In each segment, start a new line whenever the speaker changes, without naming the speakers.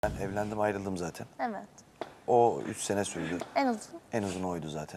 Ben evlendim, ayrıldım zaten.
Evet.
O 3 sene sürdü.
En uzun.
En uzun oydu zaten.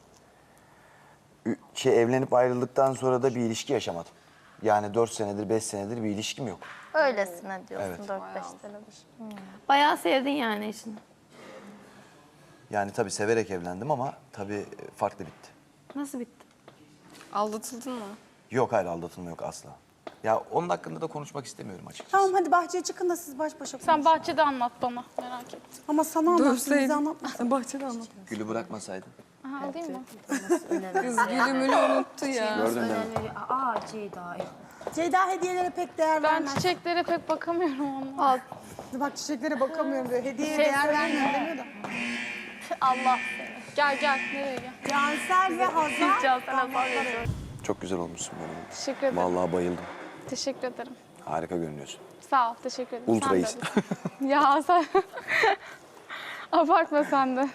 Evlenip ayrıldıktan sonra da bir ilişki yaşamadım. Yani 4 senedir, 5 senedir bir ilişkim yok.
Öylesine diyorsun
Evet.
4-5 senedir.
Bayağı sevdin yani eşini.
Yani tabii severek evlendim ama tabii farklı bitti.
Nasıl bitti?
Aldatıldın mı?
Yok, hayır, aldatılma yok asla. Ya onun hakkında da konuşmak istemiyorum açıkçası.
Tamam hadi bahçeye çıkın da siz baş başa konuşun.
Sen bahçede anlat bana, merak ettim.
Ama sana anlatsın, bize
Dövseydin.
anlatmasın.
Bahçede anlat.
Gülü bırakmasaydın.
Aha, alayım mı?
Kız gülümünü unuttu ya.
Gördün mü?
Ceyda.
Ceyda hediyelere pek değer
Ben
vermez.
çiçeklere pek bakamıyorum ama.
Bak çiçeklere bakamıyorum diyor. Hediyeye değer vermiyorum demiyor da.
Allah.
Gel gel, nereye gel?
Cansel ve Hazar.
Can sana bağırıyorum.
Çok güzel olmuşsun böyle.
Teşekkür ederim.
Vallahi bayıldım.
Teşekkür ederim.
Harika görünüyorsun.
Sağ ol, teşekkür ederim.
Ultra
Sen de
iyisin.
öyle. Ya sen... Abartma sen de.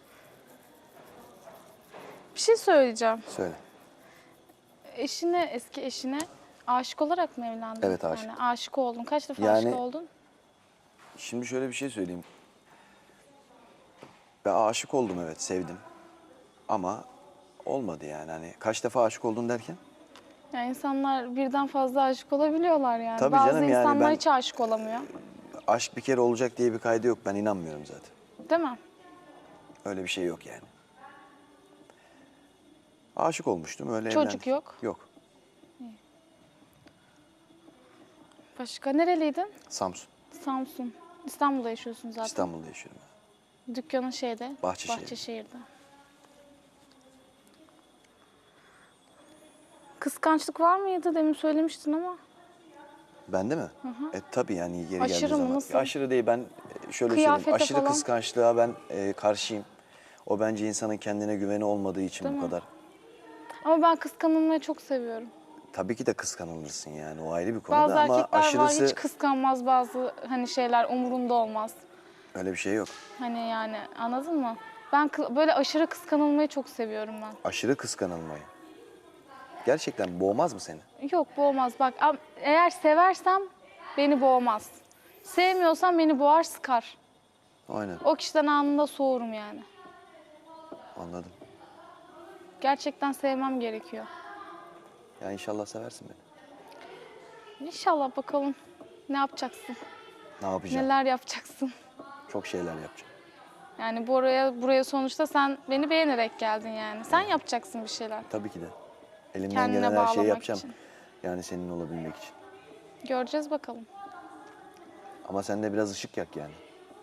Bir şey söyleyeceğim.
Söyle.
Eşine, eski eşine aşık olarak mı evlendin?
Evet, aşık.
Yani aşık oldun. Kaç defa
Yani-
aşık oldun?
Şimdi şöyle bir şey söyleyeyim. Ben aşık oldum, evet, sevdim. Ama olmadı yani. Hani kaç defa aşık oldun derken?
Yani insanlar birden fazla aşık olabiliyorlar yani.
Tabii
Bazı
canım, yani
insanlar
ben-
hiç aşık olamıyor.
Aşk bir kere olacak diye bir kaydı yok. Ben inanmıyorum zaten.
Değil mi?
Öyle bir şey yok yani. Aşık olmuştum, öyle
Çocuk
evlendik.
yok.
Yok.
Başka nereliydin?
Samsun.
Samsun. İstanbul'da yaşıyorsun zaten.
İstanbul'da yaşıyorum.
Dükkanın şeyde.
Bahçeşehir.
Bahçeşehir'de. Kıskançlık var mıydı? Demin söylemiştin ama.
Bende mi? Tabii yani yeri
Aşırı
geldiği
mı?
zaman.
Nasıl?
Aşırı değil, ben şöyle
Kıyafete
söyleyeyim. Aşırı
falan.
kıskançlığa ben karşıyım. O bence insanın kendine güveni olmadığı için
Değil
bu
mi?
kadar.
Ama ben kıskanılmayı çok seviyorum.
Tabii ki de kıskanılırsın yani, o ayrı bir konu
Bazı
da ama
erkekler
aşırısı
var hiç kıskanmaz, bazı hani şeyler umurunda olmaz.
öyle bir şey yok.
Hani yani anladın mı? Ben böyle aşırı kıskanılmayı çok seviyorum ben.
Aşırı kıskanılmayı. Gerçekten boğmaz mı seni?
Yok boğmaz. Bak eğer seversem beni boğmaz. Sevmiyorsam beni boğar, sıkar.
Aynen,
O kişiden anında soğurum yani.
anladım.
Gerçekten sevmem gerekiyor.
Ya inşallah seversin beni.
İnşallah bakalım ne yapacaksın?
Ne yapacağım?
Neler yapacaksın?
Çok şeyler yapacağım.
Yani buraya sonuçta sen beni beğenerek geldin yani. Sen yapacaksın bir şeyler.
Tabii ki de. Elimden
Kendine
gelen her şeyi
bağlamak
yapacağım.
için.
Yani senin olabilmek için.
Göreceğiz bakalım.
Ama sen de biraz ışık yak yani.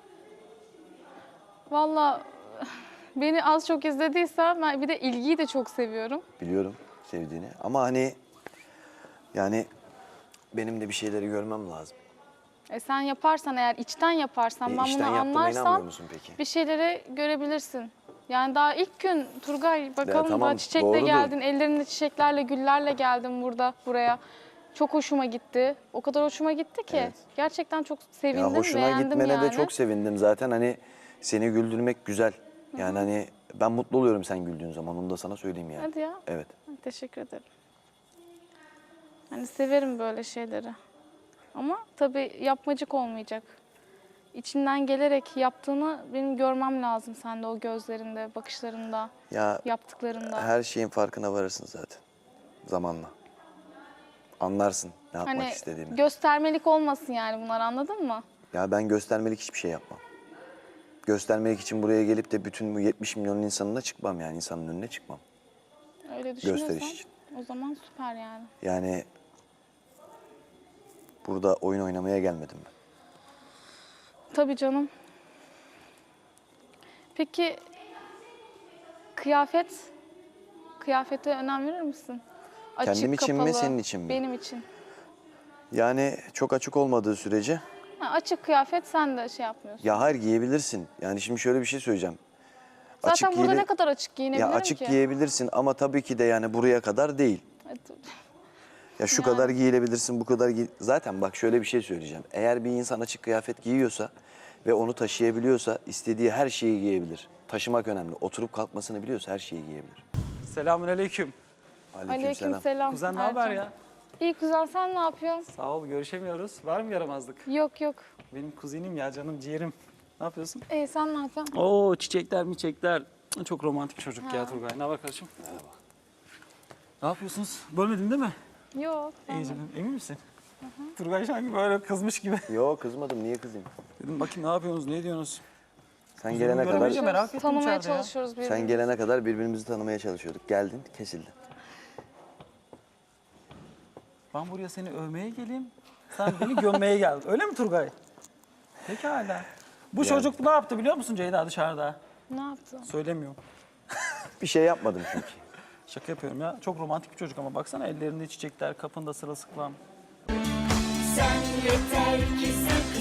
Vallahi beni az çok izlediysen ben bir de ilgiyi de çok seviyorum.
Biliyorum sevdiğini. Ama hani yani benim de bir şeyleri görmem lazım.
Sen yaparsan eğer içten yaparsan ben
İşten
bunu
yaptığıma inanmıyor
anlarsam
musun peki?
bir şeyleri görebilirsin. Yani daha ilk gün Turgay bakalım
tamam,
daha çiçekle
doğrudur.
geldin, ellerinde çiçeklerle, güllerle geldin buraya. Çok hoşuma gitti. O kadar hoşuma gitti ki.
Evet.
Gerçekten çok sevindim,
Ya hoşuna
beğendim
gitmene
yani.
de çok sevindim zaten. Hani seni güldürmek güzel. Yani hani ben mutlu oluyorum sen güldüğün zaman. Onu da sana söyleyeyim yani.
Hadi ya.
Evet.
Teşekkür ederim. Hani severim böyle şeyleri. Ama tabii yapmacık olmayacak. İçinden gelerek yaptığını benim görmem lazım sende, o gözlerinde, bakışlarında,
Ya
yaptıklarında.
her şeyin farkına varırsın zaten. Zamanla. Anlarsın ne yapmak
Hani
istediğimi.
göstermelik olmasın yani bunlar, anladın mı?
Ya ben göstermelik hiçbir şey yapmam. Göstermelik için buraya gelip de bütün bu 70 milyon insanına çıkmam yani. İnsanın önüne çıkmam.
Öyle düşünüyorsan
Gösteriş için.
o zaman süper yani.
Yani burada oyun oynamaya gelmedim ben.
Tabii canım. Peki kıyafete önem verir misin? Açık,
Kendim için mi,
kapalı,
senin için mi?
Benim için.
Yani çok açık olmadığı sürece
Açık kıyafet sen de şey yapmıyorsun.
ya hayır giyebilirsin. Yani şimdi şöyle bir şey söyleyeceğim.
Zaten burada
giyili-
ne kadar açık giyinebilirim
Ya açık
ki?
giyebilirsin ama tabii ki de yani buraya kadar değil. Ya şu kadar giyilebilirsin, bu kadar Zaten bak şöyle bir şey söyleyeceğim. Eğer bir insan açık kıyafet giyiyorsa ve onu taşıyabiliyorsa istediği her şeyi giyebilir. Taşımak önemli. Oturup kalkmasını biliyorsa her şeyi giyebilir.
Selamünaleyküm.
Aleykümselam.
Aleykümselam.
Kuzen ne haber
Ercan.
ya?
İyi güzel, sen ne yapıyorsun?
Sağ ol, görüşemiyoruz. Var mı yaramazlık?
Yok yok.
Benim kuzenim ya, canım ciğerim. Ne yapıyorsun?
İyi, sen ne yapıyorsun?
Oo, çiçekler miçekler. Çok romantik çocuk ya Turgay. Ne haber kardeşim? Merhaba. Ne yapıyorsunuz? Bölmedin değil mi?
Yok.
İyi canım, emin misin? Turgay sanki böyle kızmış gibi.
Yo kızmadım, niye kızayım?
Dedim bakayım ne yapıyorsunuz, ne ediyorsunuz?
Sen gelene
Göremeyince
kadar
merak ettim
Tanımaya
içeride ya.
çalışıyoruz birbirimizi.
sen gelene kadar birbirimizi tanımaya çalışıyorduk. Geldin, kesildi.
Ben buraya seni övmeye geleyim, sen beni gömmeye geldin. Öyle mi Turgay? Pekala. Bu çocuk ne yaptı biliyor musun Ceyda dışarıda?
Ne yaptın?
Söylemiyorum.
Bir şey yapmadım çünkü.
Şaka yapıyorum ya. Çok romantik bir çocuk ama baksana ellerinde çiçekler, kapında sırılsıklam.
Sen yeter ki sakın